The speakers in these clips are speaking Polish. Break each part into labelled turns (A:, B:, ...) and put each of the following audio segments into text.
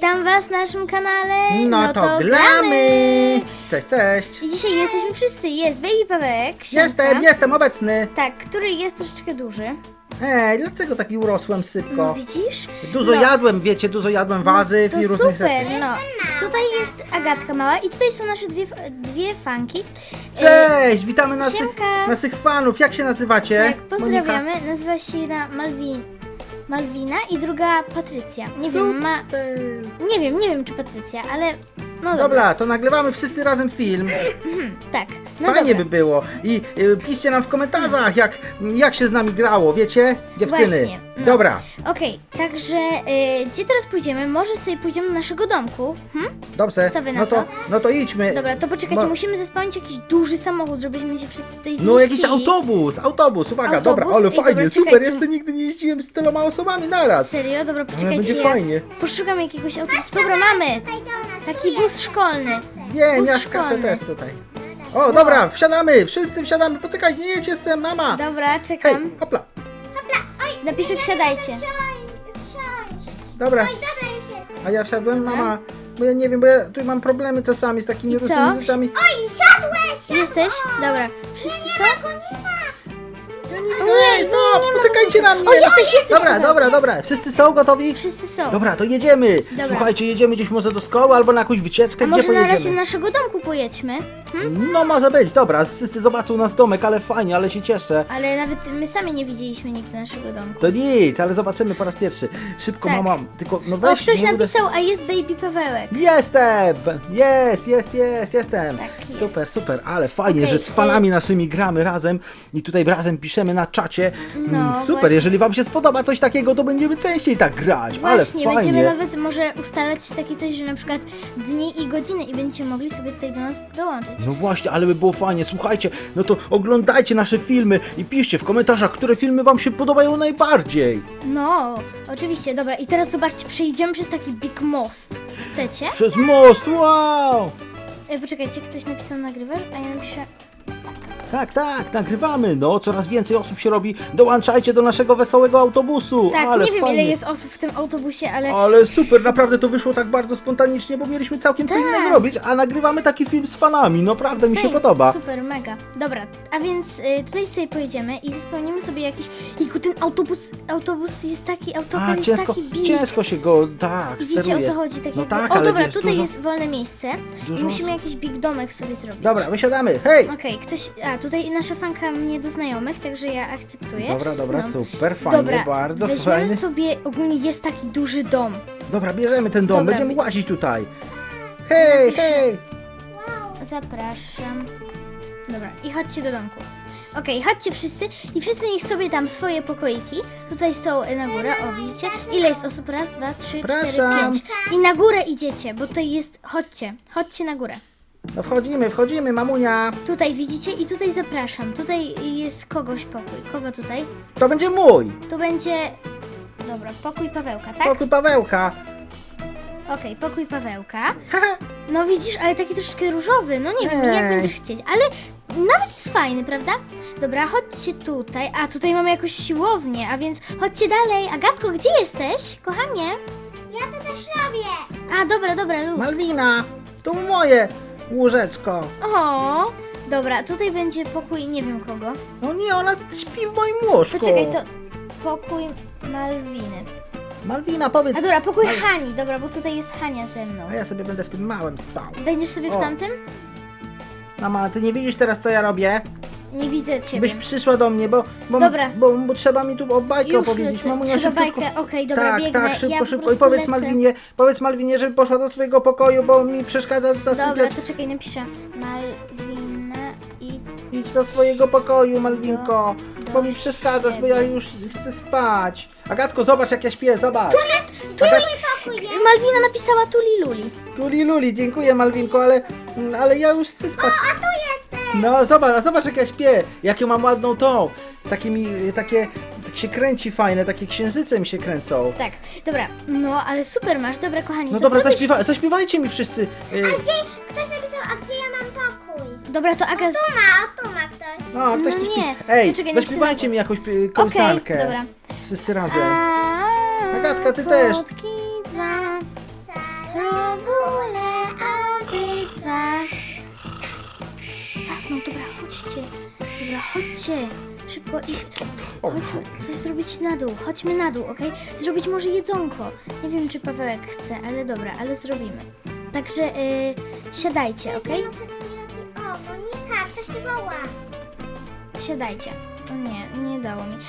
A: Witam was na naszym kanale.
B: No to gramy! Cześć, cześć!
A: I dzisiaj jesteśmy wszyscy. Jest Baby Pawełek. Siemka.
B: Jestem obecny!
A: Tak, który jest troszeczkę duży.
B: Dlaczego taki urosłem sypko?
A: No widzisz?
B: Dużo jadłem, wiecie, dużo jadłem warzyw
A: To
B: i różnych
A: super,
B: rzeczy.
A: no. Tutaj jest Agatka mała i tutaj są nasze dwie fanki.
B: Cześć! Witamy
A: Siemka.
B: naszych fanów. Jak się nazywacie?
A: Tak, pozdrawiamy. Nazywa się jedna Malwina i druga Patrycja. Nie wiem czy Patrycja, ale no dobra.
B: Dobra, to nagrywamy wszyscy razem film.
A: Tak. No
B: Fajnie
A: dobra.
B: by było. I piszcie nam w komentarzach, jak się z nami grało, wiecie? Dziewczyny.
A: Właśnie, no.
B: Dobra,
A: Okej, także gdzie teraz pójdziemy? Może sobie pójdziemy do naszego domku?
B: dobrze.
A: Co wy na
B: No to idźmy.
A: Dobra, to poczekajcie,
B: Bo-
A: musimy zespełnić jakiś duży samochód, żebyśmy się wszyscy tutaj zmieścili.
B: No jakiś autobus, uwaga,
A: Autobus?
B: dobra, ale
A: Ej,
B: fajnie,
A: dobra,
B: super,
A: czekajcie.
B: jeszcze nigdy nie jeździłem z tyloma osobami naraz.
A: Serio? Dobra,
B: Ale
A: poczekajcie,
B: będzie
A: ja
B: fajnie.
A: poszukam jakiegoś autobusu. Dobra, mamy! Taki bus szkolny.
B: Nie,
A: Bus
B: ja
A: szkolny.
B: skaczę też tutaj. O, dobra, wsiadamy, wszyscy wsiadamy, poczekaj, nie jedź, jestem, mama.
A: Dobra,
B: Hej,
A: czekam.
B: hopla,
A: Napiszę wsiadajcie.
B: dobra,
C: Dobra, już jest.
B: a ja wsiadłem,
A: Dobra.
B: mama, bo ja nie wiem, bo ja tu mam problemy czasami z takimi
A: I
B: różnymi
A: co?
B: rzeczami.
C: Oj, siadłeś!
A: Jesteś? Dobra. Wszyscy są?
B: Ja nie widzę,
A: Ojej,
B: no,
A: nie ma
B: poczekajcie na mnie.
A: O, jesteś,
B: Dobra, dobra, wszyscy są gotowi?
A: Wszyscy są.
B: Dobra, to jedziemy.
A: Dobra.
B: Słuchajcie, jedziemy gdzieś może do szkoły albo na jakąś wycieczkę,
A: A
B: gdzie
A: może na
B: pojedziemy?
A: razie do naszego domku pojedźmy?
B: No może być, dobra, wszyscy zobaczą nas domek, ale fajnie, ale się cieszę.
A: Ale nawet my sami nie widzieliśmy nigdy naszego domku.
B: To nic, ale zobaczymy po raz pierwszy. Szybko,
A: Tak.
B: mama, tylko no
A: O,
B: weź.
A: ktoś
B: nie uda-
A: napisał, a jest Baby Pawełek.
B: Jestem! Jestem!
A: Tak, jest.
B: Super, ale fajnie,
A: Okej,
B: że z fanami naszymi gramy razem i tutaj razem piszemy na czacie.
A: No,
B: Super,
A: właśnie.
B: jeżeli wam się spodoba coś takiego, to będziemy częściej tak grać,
A: Właśnie,
B: ale
A: będziemy
B: fajnie.
A: nawet może ustalać takie coś, że na przykład dni i godziny i będziecie mogli sobie tutaj do nas dołączyć.
B: No właśnie, ale by było fajnie, słuchajcie, no to oglądajcie nasze filmy i piszcie w komentarzach, które filmy wam się podobają najbardziej.
A: No, oczywiście, dobra. I teraz zobaczcie, przejdziemy przez taki big most. Chcecie?
B: Przez most, wow!
A: Poczekajcie, ktoś napisał nagrywasz, a ja napiszę...
B: Tak, nagrywamy. No, coraz więcej osób się robi. Dołączajcie do naszego wesołego autobusu.
A: Tak,
B: ale
A: nie wiem
B: fajnie.
A: ile jest osób w tym autobusie, ale...
B: Ale super, naprawdę to wyszło tak bardzo spontanicznie, bo mieliśmy całkiem co
A: Tak.
B: innego robić, a nagrywamy taki film z fanami. Naprawdę mi się
A: Ej,
B: podoba.
A: Super, mega. Dobra, a więc tutaj sobie pojedziemy i spełnimy sobie jakiś... Jejku, ten autobus jest taki, autokar jest taki big.
B: ciężko się go, tak,
A: I wiecie
B: steruje.
A: o co chodzi? Tak
B: No
A: jakby...
B: tak,
A: O
B: ale
A: dobra,
B: wiesz,
A: tutaj
B: dużo-
A: jest wolne miejsce i
B: dużo
A: musimy
B: osób.
A: jakiś big domek sobie zrobić.
B: Dobra, wysiadamy, hej!
A: Okej, ktoś... A, tutaj nasza fanka mnie do znajomych, także ja akceptuję.
B: Dobra,
A: No.
B: super, fajnie,
A: Dobra,
B: bardzo
A: weźmiemy
B: fajnie.
A: sobie... Ogólnie jest taki duży dom.
B: Dobra, bierzemy ten dom,
A: Dobra,
B: będziemy łazić tutaj. Hej!
A: Zapraszam. Dobra, i chodźcie do domku. Okej, chodźcie wszyscy i wszyscy niech sobie tam swoje pokoiki. Tutaj są na górę, o widzicie? Ile jest osób? Raz, dwa, trzy, cztery,
B: Zapraszam.
A: 5. I na górę idziecie, bo tutaj jest... Chodźcie na górę.
B: No wchodzimy, mamunia.
A: Tutaj widzicie i tutaj zapraszam. Tutaj jest kogoś pokój. Kogo tutaj?
B: To będzie mój.
A: Tu będzie... Dobra, pokój Pawełka, tak?
B: Pokój Pawełka.
A: Okej, pokój Pawełka. No widzisz, ale taki troszeczkę różowy. No nie wiem, jak
B: Ej.
A: będziesz chcieć, ale nawet jest fajny, prawda? Dobra, chodźcie tutaj. A, tutaj mamy jakąś siłownię, a więc chodźcie dalej. Agatko, gdzie jesteś? Kochanie?
C: Ja to też robię.
A: A, dobra, luz.
B: Malwina, to moje łóżeczko.
A: O, dobra, tutaj będzie pokój nie wiem kogo.
B: No nie, ona śpi w moim łóżku.
A: To czekaj, to pokój Malwiny.
B: Malwina, powiedz.
A: A dobra, pokój Hani, dobra, bo tutaj jest Hania ze mną.
B: A ja sobie będę w tym małym spał.
A: Będziesz sobie w
B: O.
A: tamtym?
B: Mama, ty nie widzisz teraz, co ja robię?
A: Nie widzę ciebie.
B: Byś przyszła do mnie, bo
A: Dobra.
B: bo trzeba mi tu o bajkę
A: Już
B: opowiedzieć.
A: lecę.
B: Mamunia,
A: Trzeba
B: szybciutko.
A: bajkę, okej, dobra,
B: tak,
A: biegnę.
B: tak, szybko,
A: ja po
B: szybko. I
A: prostu
B: powiedz Malwinie, żeby poszła do swojego pokoju, bo mi przeszkadza
A: Dobra,
B: zasypiać.
A: to czekaj, napiszę Malwina i...
B: Idź do swojego pokoju, Malwinko,
A: Do
B: bo mi przeszkadzasz, bo ja
A: siebie.
B: już chcę spać. Agatko, zobacz jak ja śpię, zobacz.
A: Malwina napisała Tuli Luli.
B: Luli, dziękuję Malwinko, ale ja już chcę spać.
C: A tu jestem.
B: No zobacz jak ja śpię, jaką mam ładną tą. Takie tak się kręci fajne, takie księżyce mi się kręcą.
A: Tak, dobra, no ale super masz, dobra kochani.
B: No
A: to
B: dobra,
A: co byś-
B: zaśpiewajcie mi wszyscy.
C: Ktoś napisał, a gdzie ja mam pokój?
A: Dobra, to Aga...
C: Tu ma ktoś.
B: No, ktoś
A: No
B: tu śpi.
A: nie,
B: Ej,
A: to czekaj,
B: zaśpiewajcie
A: napiszę
B: mi jakąś
A: Okej,
B: kołysankę.
A: dobra.
B: Wszyscy razem.
A: A,
B: Agatka, ty też.
A: kotki dwa.
C: Sa.
A: Robule obydwa. Zasnął, dobra, chodźcie. Dobra, chodźcie. Szybko i chodźmy coś zrobić na dół. Chodźmy na dół, okej? Zrobić może jedzonko. Nie wiem, czy Pawełek chce, ale dobra, ale zrobimy. Także siadajcie, okej?
C: O, Monika, ktoś się woła.
A: Siadajcie. O nie, nie dało mi.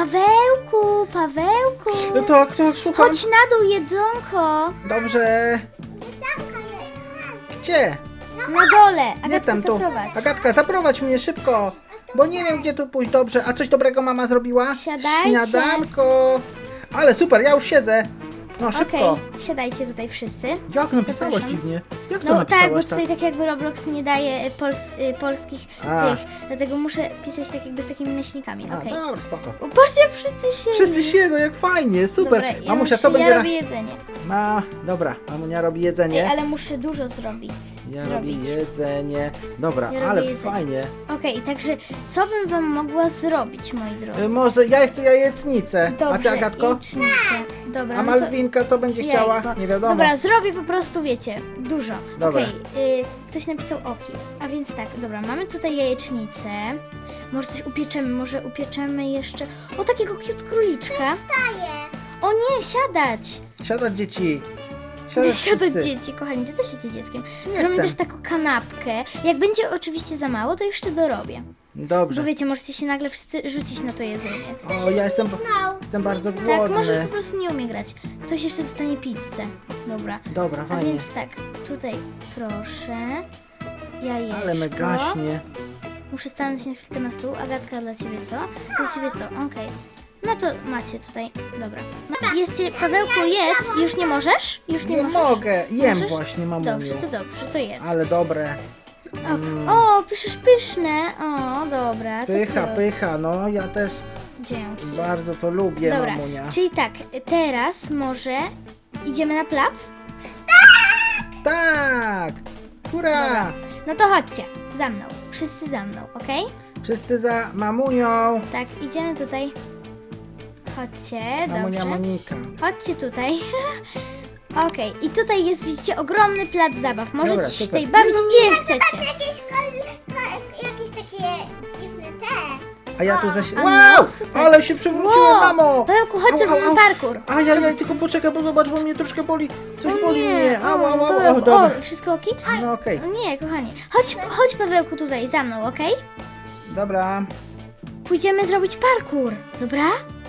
A: Pawełku, Pawełku!
B: Tak, słucham.
A: Chodź na dół, jedzonko!
B: Dobrze.
C: Jedzonko jest.
B: Gdzie?
A: Na dole!
B: Nie
A: Agatka,
B: tam tu.
A: zaprowadź.
B: Agatka, zaprowadź mnie szybko. Bo nie wiem, gdzie tu pójść. Dobrze. A coś dobrego mama zrobiła?
A: Siadajcie.
B: Śniadanko. Ale super, ja już siedzę. No szybko.
A: Okej, siadajcie tutaj wszyscy.
B: Jak napisałaś
A: Zapraszam.
B: dziwnie? Jak to
A: No
B: napisałaś
A: tak, bo tutaj tak jakby Roblox nie daje polskich
B: A.
A: tych, dlatego muszę pisać tak jakby z takimi myślnikami,
B: A,
A: okej.
B: dobra, spoko.
A: O, patrzcie, jak wszyscy siedzą.
B: Wszyscy siedzą, jak fajnie, super.
A: Dobra, ja,
B: Mamusia, co będzie
A: ja
B: na...
A: robię jedzenie.
B: Dobra, mamunia robi
A: Ej,
B: jedzenie.
A: ale muszę dużo zrobić.
B: Ja robię jedzenie. Dobra,
A: Ja robię
B: ale
A: jedzenie.
B: fajnie.
A: Okej, także co bym wam mogła zrobić, moi drodzy?
B: Może ja chcę jajecznicę. A ty,
A: Dobrze,
B: Agatko?
A: jajecznicę. Dobra,
B: A
A: no to...
B: Malwinka co będzie chciała?
A: Jajko.
B: Nie wiadomo.
A: Dobra, zrobię po prostu, wiecie, dużo.
B: Dobra.
A: Okej, ktoś napisał oki. A więc tak, dobra, mamy tutaj jajecznicę. Może coś upieczemy, może upieczemy jeszcze... O, takiego cute króliczka.
C: Wstaję.
A: O nie, siadać!
B: Siadać dzieci.
A: Siadać
B: wszyscy.
A: dzieci, kochani, ty też jesteś dzieckiem.
B: Nie
A: Zrobimy
B: jestem.
A: też taką kanapkę. Jak będzie oczywiście za mało, to jeszcze dorobię.
B: Dobrze.
A: Bo wiecie, możecie się nagle wszyscy rzucić na to jedzenie.
B: O, ja jestem
C: No.
B: bardzo
A: Tak,
B: głodny.
A: możesz po prostu nie umie grać. Ktoś jeszcze dostanie pizzę. Dobra.
B: Dobra,
A: A
B: fajnie.
A: więc tak, tutaj proszę. Jajeczko.
B: Ale me gaśnie.
A: Muszę stanąć na chwilkę na stół. Agatka, dla ciebie to. Dla ciebie to, okej. No to macie tutaj, dobra. No, jedzcie, Pawełku, jedz. Już nie możesz? Już nie,
B: Nie
A: możesz?
B: mogę. Jem
A: Możesz?
B: właśnie, mamuniu.
A: Dobrze, to jedz.
B: Ale dobre.
A: O, piszesz pyszne. O, dobra. to
B: Pycha,
A: proszę.
B: pycha. No, ja też
A: Dzięki.
B: bardzo to lubię,
A: Dobra,
B: mamunia.
A: czyli tak, teraz może idziemy na plac?
B: Tak! Hurra!
A: Dobra. No to chodźcie, za mną. Wszyscy za mną, okej?
B: Wszyscy za mamunią.
A: Tak, idziemy tutaj. Chodźcie,
B: Mamunia
A: dobrze.
B: Monika.
A: Chodźcie tutaj. Okej, i tutaj jest, widzicie, ogromny plac zabaw. Możecie
B: Dobra,
A: się
B: super.
A: tutaj bawić ile chcecie.
C: Jakieś takie dziwne te.
B: A ja tu
A: A
B: Wow!
A: no, super.
B: Ale się przewróciłem, mamo!
A: Pawełku, chodź,
B: Au,
A: zrobimy
B: au, au.
A: parkour.
B: A ja tylko poczekaj, bo zobacz, bo mnie troszkę boli. Coś boli mnie. Au, au, au. O,
A: Pawełku,
B: dobra.
A: o, wszystko okej?
B: No okej.
A: O nie, kochani. Chodź Pawełku tutaj za mną, okej?
B: Dobra.
A: Pójdziemy zrobić parkour, dobra?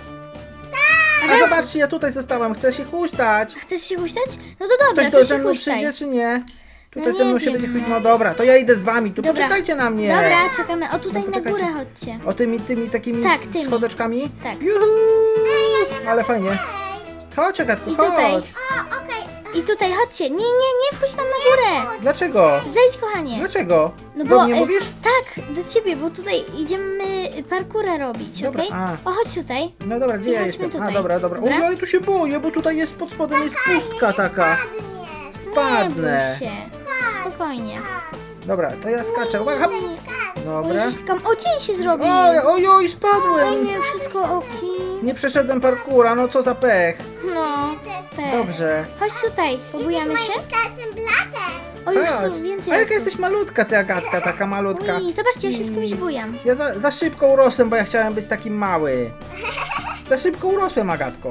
B: A zobaczcie, ja tutaj zostałem. Chcę się huśtać.
A: Chcesz się huśtać? No to dobra,
B: Ktoś
A: to
B: do
A: się
B: ze mną
A: huśtaj.
B: przyjdzie, czy nie? Tutaj
A: No
B: ze mną
A: nie
B: się
A: wiem,
B: będzie huśtać.
A: no.
B: No dobra, to ja idę z wami. Tu
A: Dobra.
B: poczekajcie na mnie.
A: Dobra, czekamy. O, tutaj
B: No,
A: na
B: poczekajcie.
A: górę chodźcie.
B: O tymi takimi
A: Tak, tymi.
B: schodeczkami?
A: Tak.
B: Juhu! Ale fajnie. Chodź, Agatku,
A: I
B: chodź.
A: tutaj.
C: O, okej.
A: I tutaj chodźcie. Nie wchodź tam na górę.
B: Dlaczego?
A: Zejdź, kochanie.
B: Dlaczego?
A: No
B: Do
A: bo,
B: mnie mówisz?
A: Tak, do ciebie, bo tutaj idziemy parkura robić,
B: Dobra,
A: okej?
B: a.
A: O, chodź tutaj.
B: No dobra, gdzie
A: I
B: ja
A: chodźmy
B: jestem?
A: tutaj.
B: A, dobra.
A: Dobra?
B: O, ja tu się boję, bo tutaj jest pod spodem jest pustka taka.
C: Ładnie.
B: Spadnę.
A: Nie bój się. Spokojnie.
B: Dobra, to ja skaczę. Uwaga. Dobra.
A: Uściskam. O, dzień się zrobił.
B: Ojoj,
A: O
B: spadłem.
A: nie, wszystko oki.
B: Nie przeszedłem parkura, no co za pech.
A: No, tak.
B: Dobrze.
A: Chodź tutaj, pobujamy się.
C: Moim starszym bratem.
A: O, już
B: Chodź.
A: są więcej
B: A jaka
A: osób.
B: jesteś malutka, ty Agatka, taka malutka.
A: Ui, zobaczcie, ja się z kimś bujam.
B: Ja za szybko urosłem, bo ja chciałem być taki mały. Za szybko urosłem, Agatko.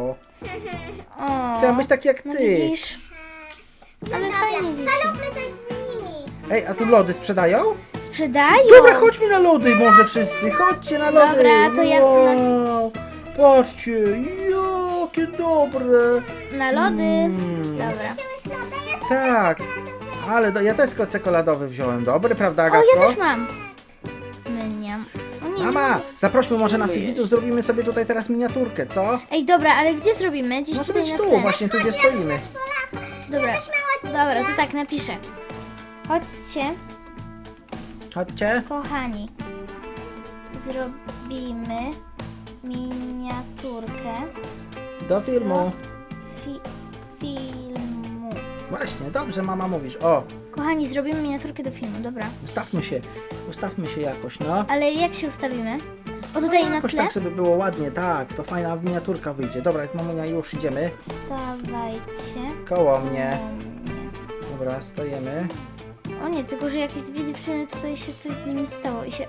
A: O,
B: Chciałem być taki jak
A: no
B: ty.
A: widzisz? Ale fajnie, dzieci.
C: Zróbmy coś z nimi.
B: Ej, a tu lody sprzedają?
A: Sprzedają.
B: Dobra, chodźmy na lody może wszyscy. Chodźcie na lody.
A: Dobra, to ja
B: Wow. Patrzcie, jakie dobre.
A: Na lody. Dobra.
C: Myślę, ja
B: Tak, ale ja też czekoladowy wziąłem. Dobry, prawda,
A: O,
B: Agatko?
A: ja też mam. Myniam. O nie,
B: Mama, zaprośmy może naszych widzów, zrobimy sobie tutaj teraz miniaturkę, co?
A: Ej, dobra, ale gdzie zrobimy? Gdzieś
B: Może
A: tutaj
B: być
A: na
B: tu,
A: tle.
B: właśnie tu, gdzie stoimy.
A: Dobra, dobra, to tak napiszę. Chodźcie,
B: Chodźcie.
A: kochani. Zrobimy miniaturkę
B: Do filmu.
A: filmu.
B: Właśnie, dobrze mama mówisz. O,
A: Kochani, zrobimy miniaturkę do filmu, dobra.
B: ustawmy się jakoś, no.
A: Ale jak się ustawimy? O, tutaj na
B: Jakoś
A: tle?
B: tak, żeby było ładnie, tak, to fajna miniaturka wyjdzie. Dobra, mamunia, już idziemy.
A: Stawajcie
B: Koło mnie.
A: koło mnie.
B: Dobra, stajemy.
A: O nie, tylko że jakieś dwie dziewczyny tutaj się coś z nimi stało i się...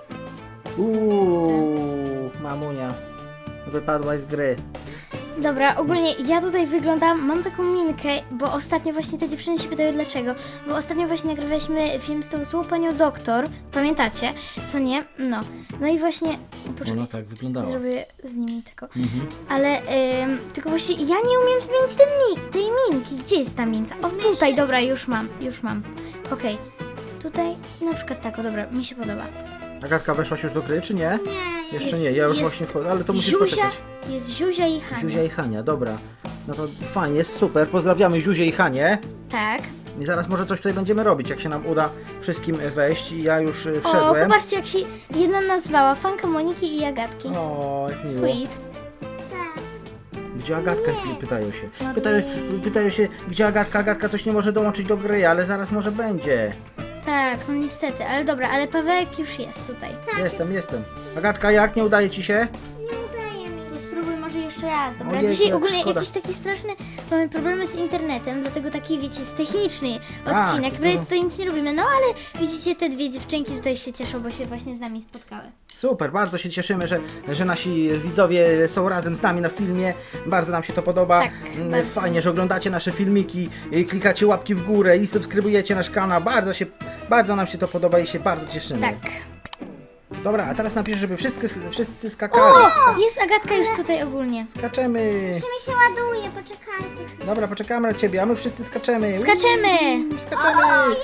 B: Mamunia. Wypadłaś z gry.
A: Dobra, ogólnie ja tutaj wyglądam, mam taką minkę, bo ostatnio właśnie te dziewczyny się pytały dlaczego, bo ostatnio właśnie nagrywaliśmy film z tą złą panią doktor, pamiętacie, co nie? No i właśnie, poczekaj,
B: Ona tak wyglądała.
A: zrobię z nimi tylko,
B: Mhm.
A: ale tylko właśnie ja nie umiem zmienić tej minki, gdzie jest ta minka? O tutaj, dobra, już mam, okej, tutaj na przykład tak, o dobra, mi się podoba.
B: Agatka, weszłaś już do gry, czy nie?
C: Nie,
B: Jeszcze
A: Jest-
B: nie, ja już
A: jest
B: właśnie wchodzę, ale to musisz
A: Zuzia,
B: poczekać.
A: jest Zuzia i Hania,
B: Zuzia i Hania, dobra. No to fajnie, jest super. Pozdrawiamy Zuzię i Hanię.
A: tak.
B: I zaraz może coś tutaj będziemy robić, jak się nam uda wszystkim wejść. I ja już
A: O,
B: wszedłem.
A: popatrzcie jak się jedna nazwała, fanka Moniki i Agatki.
B: O, jak miło.
A: Sweet.
C: tak.
B: Gdzie Agatka? Pytają się.
A: No
B: Pytają się, gdzie Agatka? Agatka coś nie może dołączyć do gry, ale zaraz może będzie.
A: Tak, no niestety, ale dobra, ale Pawełek już jest tutaj.
B: Jestem. Agatka, jak? Nie udaje ci się?
C: Nie udaje mi.
A: To spróbuj może jeszcze raz, dobra?
B: Ojejku,
A: Dzisiaj
B: jak
A: ogólnie
B: szkoda.
A: jakiś taki straszny, mamy problemy z internetem, dlatego taki, wiecie, jest techniczny
B: A,
A: odcinek,
B: to-
A: prawie tutaj nic nie robimy, no ale widzicie, te dwie dziewczynki tutaj się cieszą, bo się właśnie z nami spotkały.
B: Super, bardzo się cieszymy, że nasi widzowie są razem z nami na filmie. Bardzo nam się to podoba.
A: Tak, bardzo.
B: Fajnie, że oglądacie nasze filmiki, klikacie łapki w górę i subskrybujecie nasz kanał. Bardzo nam się to podoba i się bardzo cieszymy.
A: Tak.
B: Dobra, a teraz napisz, żeby wszyscy skakali.
A: O, jest Agatka już tutaj ogólnie.
B: Skaczemy.
C: Jeszcze mi się ładuje, poczekajcie chwilę.
B: Dobra, poczekamy na ciebie, a my wszyscy skaczemy.
A: Skaczemy!
B: Skaczemy!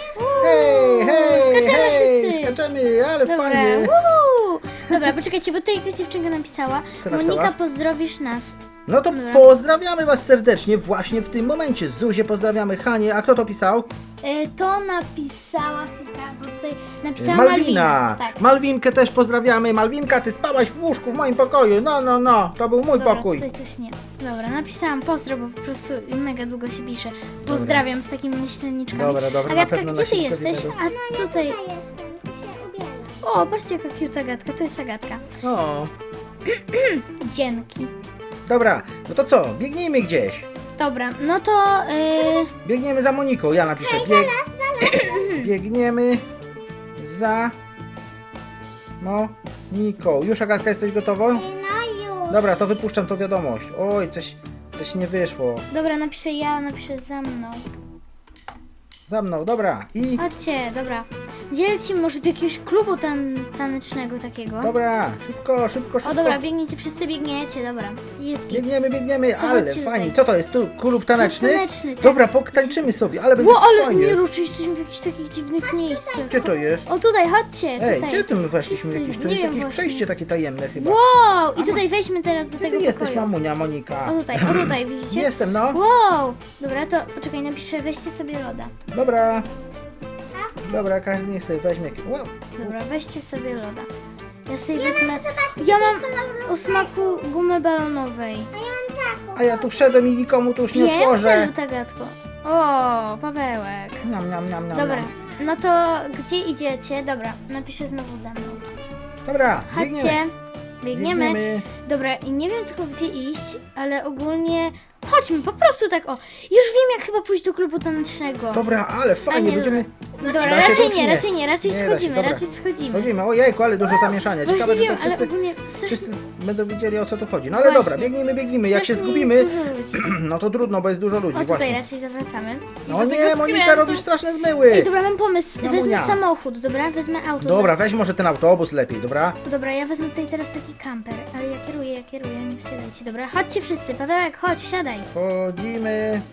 B: Hej,
A: Skaczemy wszyscy.
B: skaczemy, ale
A: Dobra,
B: fajnie.
A: woo! Dobra, poczekajcie, bo tutaj jakaś dziewczynka napisała.
B: Co napisała?
A: Monika, pozdrowisz nas.
B: No to
A: Dobra.
B: pozdrawiamy was serdecznie właśnie w tym momencie. Zuzię pozdrawiamy, Hanie, a kto to pisał?
A: To napisała chwilka, bo tutaj napisała
B: Malwina.
A: Tak.
B: Malwinkę też pozdrawiamy. Malwinka, ty spałaś w łóżku w moim pokoju. No, to był mój
A: Dobra,
B: pokój.
A: tutaj coś nie. Dobra, napisałam pozdro, bo po prostu mega długo się pisze. Pozdrawiam z takimi myśleniczkami.
B: Dobra, na
A: Agatka,
B: pewno
A: gdzie ty
B: nasi
A: jesteś?
B: widzowie
A: A tutaj...
C: Ja jestem, tu się ubieram.
A: O, patrzcie jaka cute Agatka, to jest Agatka.
B: O,
A: Dzięki.
B: dobra, no to co? Biegnijmy gdzieś.
A: Dobra, no to...
B: Biegniemy za Moniką. Ja napiszę. Biegniemy za Moniką. Już, Agatka, jesteś gotowa?
C: No już.
B: Dobra, to wypuszczam tą wiadomość. Oj, coś nie wyszło.
A: Dobra, napiszę za mną.
B: Za mną, dobra. I
A: Chodźcie, dobra. Gdzie lecimy? Może do jakiegoś klubu tanecznego takiego?
B: dobra, szybko.
A: O dobra, biegniecie, wszyscy biegniecie, dobra. Jest git.
B: Biegniemy,
A: To
B: ale
A: chodźcie
B: fajnie.
A: tutaj.
B: Co to jest? Tu klub taneczny?
A: Klub taneczny, tak.
B: Dobra, potańczymy sobie, ale będzie
A: Ło, ale
B: fajnie.
A: nie ruszy, jesteśmy w jakichś takich dziwnych miejscach.
B: Gdzie to jest?
A: O tutaj, chodźcie,
B: Ej,
A: tutaj.
B: gdzie tu my weszliśmy?
A: Wszyscy,
B: Jakieś, to
A: nie
B: jest
A: wiem
B: jakieś
A: właśnie.
B: przejście takie tajemne chyba.
A: Wow! I tutaj wejdźmy teraz do
B: Gdzie ty
A: tego
B: jesteś,
A: pokoju.
B: mamunia, Monika?
A: O tutaj, widzicie?
B: Jestem, no.
A: Wow! Dobra, to poczekaj, napiszę, weźcie sobie loda.
B: Dobra. Dobra, każdy niech sobie weźmie. Wow.
A: Dobra, weźcie sobie loda. Ja sobie wezmę... Ja mam o smaku gumy balonowej.
C: A ja mam taką.
B: A ja tu wszedłem i nikomu tu już nie
A: Piękne,
B: otworzę.
A: Lutagatko. O, Pawełek.
B: Niam.
A: Dobra, no to gdzie idziecie? Dobra, napiszę znowu za mną.
B: Dobra,
A: Chodźcie. Biegniemy. Dobra, i nie wiem tylko gdzie iść, ale ogólnie... Chodźmy, po prostu tak o. Już wiem jak chyba pójść do klubu tanecznego.
B: Dobra, ale fajnie,
A: nie,
B: będziemy...
A: Dobra,
B: Da się
A: raczej
B: to, czy
A: nie,
B: nie?
A: raczej nie, raczej
B: Nie da się,
A: schodzimy,
B: dobra.
A: raczej schodzimy.
B: Chodzimy, ojejku, ale dużo zamieszania.
A: Właśnie
B: Ciekawe, że
A: wiem,
B: to
A: ale
B: wszyscy,
A: ogólnie strasznie,
B: wszyscy będą wiedzieli o co tu chodzi. No ale
A: Właśnie.
B: dobra, biegniemy. Jak się
A: strasznie
B: zgubimy,
A: jest dużo ludzi.
B: no to trudno, bo jest dużo ludzi,
A: O, tutaj
B: właśnie.
A: raczej zawracamy. I
B: No
A: do
B: nie,
A: tego
B: Monika,
A: skrętu.
B: robisz straszne zmyły.
A: Ej, dobra, mam pomysł.
B: Mamunia.
A: Wezmę samochód, dobra? Wezmę auto.
B: Dobra, weź może ten autobus lepiej, dobra?
A: Dobra, ja wezmę tutaj teraz taki kamper, ale ja kieruję, nie wsiadajcie, dobra? Chodźcie wszyscy, Pawełek, chodź, wsiadaj.
B: Chodzimy.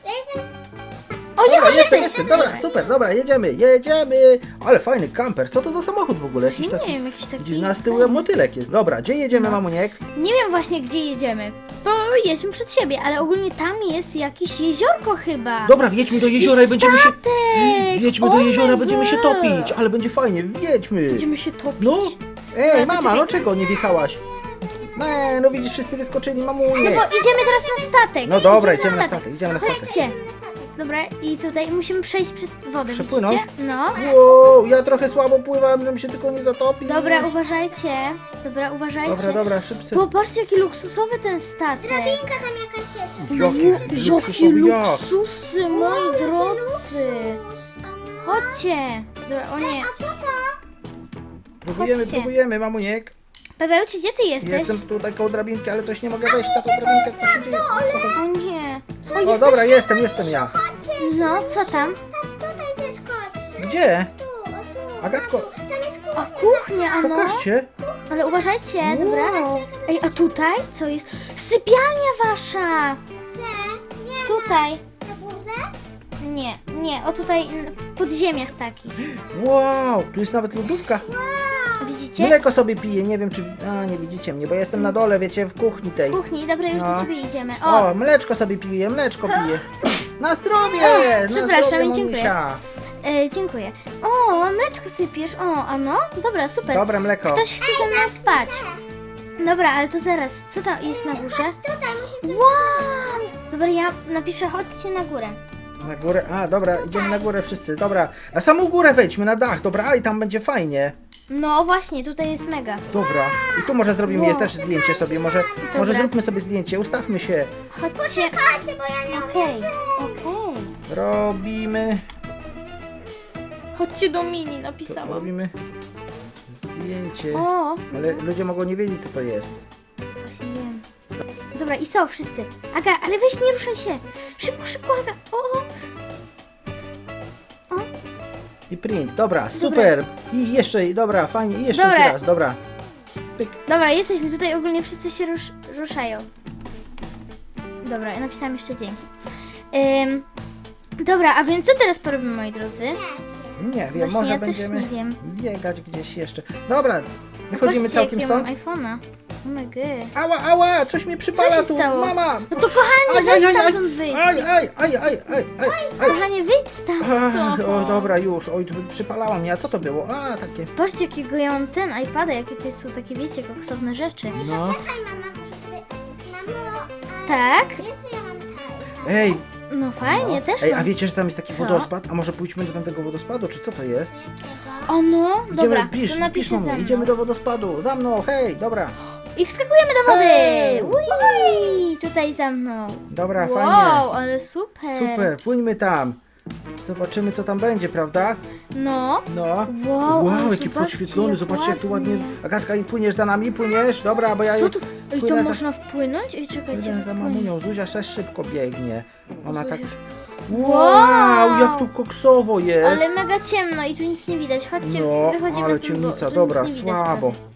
A: O,
B: Dobra,
A: jesteś!
B: jestem, dobra, super, dobra, jedziemy. Ale fajny kamper, co to za samochód w ogóle? Jakiś
A: Nie
B: taki...
A: wiem, jakiś taki...
B: Gdzieś na z tyłu motylek jest. Dobra, gdzie jedziemy,
A: No.
B: mamuniek?
A: Nie wiem właśnie, gdzie jedziemy, bo jedźmy przed siebie, ale ogólnie tam jest jakieś jeziorko chyba.
B: Dobra, wjedźmy do jeziora i będziemy się...
A: Statek!
B: Wjedźmy do
A: Oh
B: jeziora,
A: my
B: będziemy się
A: God.
B: topić, ale będzie fajnie, wjedźmy.
A: Będziemy się topić.
B: No, ej,
A: Dobra, to
B: mama,
A: czekaj.
B: no czego nie wjechałaś? Nie, no widzisz, wszyscy wyskoczyli,
A: No
B: mamunie.
A: bo idziemy teraz na statek.
B: No dobra, idziemy na statek, idziemy na statek.
A: Chodźcie. Dobra, i tutaj musimy przejść przez wodę,
B: Przepłynąć?
A: widzicie? No.
B: Wow, ja trochę słabo pływam, żebym się tylko nie zatopił.
A: Dobra, uważajcie. Dobra, uważajcie.
B: Dobra, szybcy.
A: Popatrzcie, jaki luksusowy ten statek.
C: Drabinka tam jakaś jest.
B: Jakie
A: Jakie
B: luksusowe jak.
A: luksusy, moi drodzy. Chodźcie. Dobra, o nie.
C: A co to?
A: Chodźcie.
B: Próbujemy, mamuniek.
A: Pawełciu, gdzie ty jesteś?
B: Jestem tutaj koło drabinki, ale coś nie mogę wejść na tą drabinkę. Co się dzieje?
A: O nie. O,
B: O,
A: jesteś...
B: dobra, jestem ja.
A: No, co tam?
C: Tutaj zeskocz.
B: Gdzie?
C: Tu, o tu.
B: Agatko,
C: Tam jest
A: O,
C: kuchnia.
A: kuchnia, ano.
B: pokażcie.
A: Ale uważajcie, dobra?
B: Wow.
A: Ej, a tutaj co jest? Sypialnia wasza!
C: Gdzie? Nie.
A: Tutaj.
C: Na górze?
A: Nie, o tutaj w podziemiach takich.
B: Wow, tu jest nawet lodówka.
A: Widzicie?
B: Mleko sobie piję, nie wiem czy... A, nie widzicie mnie, bo ja jestem na dole, wiecie, w kuchni tej.
A: W kuchni, dobra, już
B: No.
A: do ciebie idziemy. O,
B: O, mleczko sobie piję, mleczko piję. Na zdrowie! Na
A: przepraszam
B: zdrowie,
A: i dziękuję.
B: mamusia.
A: dziękuję. O, mleczko sypiesz. O, a no? Dobra, super.
B: Dobre mleko.
A: Ktoś chce ze mną spać. Dobra, ale to zaraz. Co tam jest na górze?
C: Tutaj musisz...
A: Wow! Dobra, ja napiszę, chodźcie na górę.
B: Na górę, a dobra, idziemy na górę wszyscy, dobra. Na samą górę wejdźmy, na dach, dobra, a i tam będzie fajnie.
A: No właśnie, tutaj jest mega.
B: Dobra, i tu może zrobimy
A: Wow.
B: też zdjęcie sobie, może
A: Dobra.
B: zróbmy sobie zdjęcie, ustawmy się.
A: Chodźcie.
C: Chodźcie, bo ja nie
A: Okej, okej.
B: Robimy,
A: Chodźcie do mini, napisałam.
B: robimy zdjęcie.
A: O,
B: Ale ludzie mogą nie wiedzieć co to jest.
A: właśnie wiem. Dobra, i są wszyscy. Aga, ale weź nie ruszaj się. Szybko, szybko, Aga. O.
B: I print, dobra, super. I jeszcze, dobra, fajnie, i jeszcze
A: Dobra.
B: raz, dobra. Pyk.
A: Dobra, jesteśmy tutaj, ogólnie wszyscy się ruszają. Dobra, ja napisałam jeszcze dzięki. Dobra, a więc co teraz porobimy, moi drodzy?
B: Nie wiem,
A: Właśnie
B: może
A: ja też
B: będziemy
A: nie wiem.
B: biegać gdzieś jeszcze. Dobra, wychodzimy
A: Patrzcie,
B: całkiem
A: jakiego
B: stąd.
A: mam iPhone'a. Oh my god.
B: Ała, ała, coś mnie przypala
A: się
B: tu,
A: stało?
B: mama.
A: No to kochanie, weź stamtąd wyjdź.
B: Aj.
A: Kochanie, wyjdź stamtąd.
B: O, dobra, już. Oj, tu przypalała mnie. A co to było? A, takie.
A: Patrzcie, jakiego ja mam ten iPada, jakie to są takie, wiecie, koksowne rzeczy.
B: No.
C: Czekaj, mama, muszę sobie... Mamo, a...
A: Tak?
C: Wiesz, że ja mam tak.
B: Ej,
A: No fajnie, też
B: ej,
A: mam.
B: a wiecie, że tam jest taki
A: Co?
B: wodospad? A może pójdźmy do tamtego wodospadu, czy co to jest?
C: Jakiego?
A: O no, dobra,
B: pisz,
A: to napiszę
B: pisz,
A: za
B: mamo,
A: mną.
B: idziemy do wodospadu. Za mną, hej, dobra.
A: I wskakujemy do wody!
B: Hej!
A: Ui, tutaj za mną.
B: Dobra,
A: Wow,
B: fajnie.
A: ale super.
B: Super, płyńmy tam. Zobaczymy, co tam będzie, prawda?
A: No.
B: No.
A: Wow, ale
B: jaki
A: zobaczcie,
B: podświetlony,
A: jak
B: zobaczcie jak tu ładnie.
A: ładnie.
B: Agatka, i płyniesz za nami? Płyniesz? Dobra, bo ja
A: Co tu? Ej, to
B: płynę za-
A: można wpłynąć? Ej, czekajcie.
B: Idę za
A: wpłynę.
B: mamunią. Zuzia też szybko biegnie. Ona
A: Zuzia
B: tak...
A: sz-
B: Wow, jak tu koksowo jest.
A: Ale mega ciemno i tu nic nie widać. Chodźcie,
B: No,
A: wychodzimy
B: ale
A: stąd, bo
B: ciemnica,
A: tu
B: dobra,
A: nic nie widać
B: słabo.
A: prawie.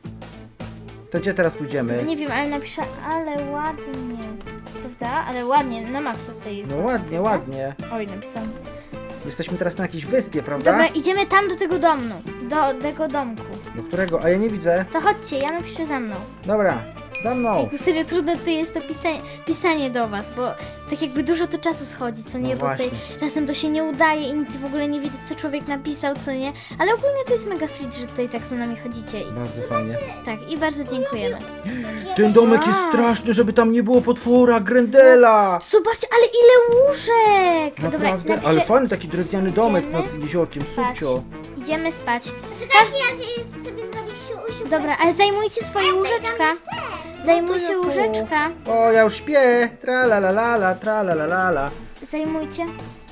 B: To gdzie teraz pójdziemy?
A: Nie wiem, ale napiszę, ale ładnie. Prawda? Ale ładnie, na maksa tutaj jest.
B: No
A: ładnie,
B: ładnie,
A: prawda?
B: ładnie.
A: Oj, napisałam.
B: Jesteśmy teraz na jakiejś wyspie, prawda?
A: Dobra, idziemy tam do tego domu. Do tego domku.
B: Do którego? A ja nie widzę.
A: To chodźcie, ja napiszę za mną.
B: Dobra, za mną.
A: Ejku, serio, trudne tu jest to pisanie do was, bo tak jakby dużo to czasu schodzi, co nie?
B: No
A: Bo tutaj
B: właśnie.
A: czasem to się nie udaje i nic w ogóle nie widać, co człowiek napisał, co nie? Ale ogólnie to jest mega sweet, że tutaj tak za nami chodzicie. I,
B: Bardzo fajnie.
A: tak, i bardzo dziękujemy.
B: Ten domek jest
A: Wow.
B: straszny, żeby tam nie było potwora, Grendela.
A: Zobaczcie, ale ile łóżek!
B: Naprawdę,
A: Dobra,
B: ale
A: napiszę...
B: fajny taki drewniany domek
A: Idziemy
B: nad jeziorkiem,
A: spać.
B: subcio.
A: Idziemy spać.
C: Czekajcie, ja sobie zrobię siu.
A: Dobra, ale zajmujcie swoje łóżeczka. Zajmujcie
B: ja tu.
A: łóżeczka.
B: O, ja już śpię. Tra la la la la, tra la la la la.
A: Zajmujcie.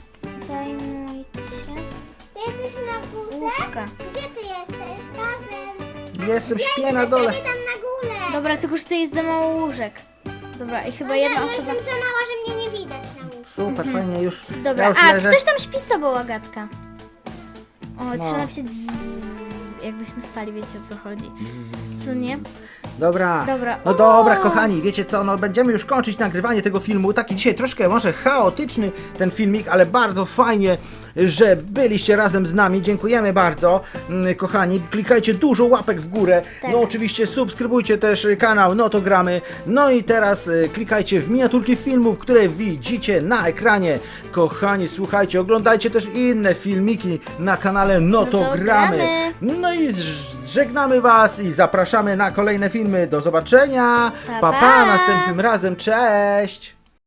C: Ty jesteś na górze?
A: Łóżka.
C: Gdzie ty jesteś, Paweł?
B: Jestem, śpię na dole.
C: Ciebie tam na górę.
A: Dobra, tylko że to jest za mało łóżek. Dobra, i chyba jedna
C: Ja
A: osoba...
C: jestem za mała, że mnie nie widać na łóżku.
B: Super, fajnie, już.
A: Dobra,
B: ja już
A: a
B: leżę.
A: ktoś tam śpi z tobą, Agatka. O,
B: No.
A: trzeba napisać jakbyśmy spali, wiecie o co chodzi. Co nie?
B: Dobra.
A: Dobra.
B: No
A: O!
B: dobra, kochani, wiecie co, no będziemy już kończyć nagrywanie tego filmu. Taki dzisiaj troszkę może chaotyczny ten filmik, ale bardzo fajnie, że byliście razem z nami. Dziękujemy bardzo, kochani. Klikajcie dużo łapek w górę.
A: Tak.
B: No oczywiście subskrybujcie też kanał No to gramy. No i teraz klikajcie w miniaturki filmów, które widzicie na ekranie. Kochani, słuchajcie, oglądajcie też inne filmiki na kanale No to gramy. No i żegnamy was i zapraszamy na kolejne filmy. Do zobaczenia.
A: Pa,
B: Pa,
A: pa.
B: pa, następnym razem. Cześć.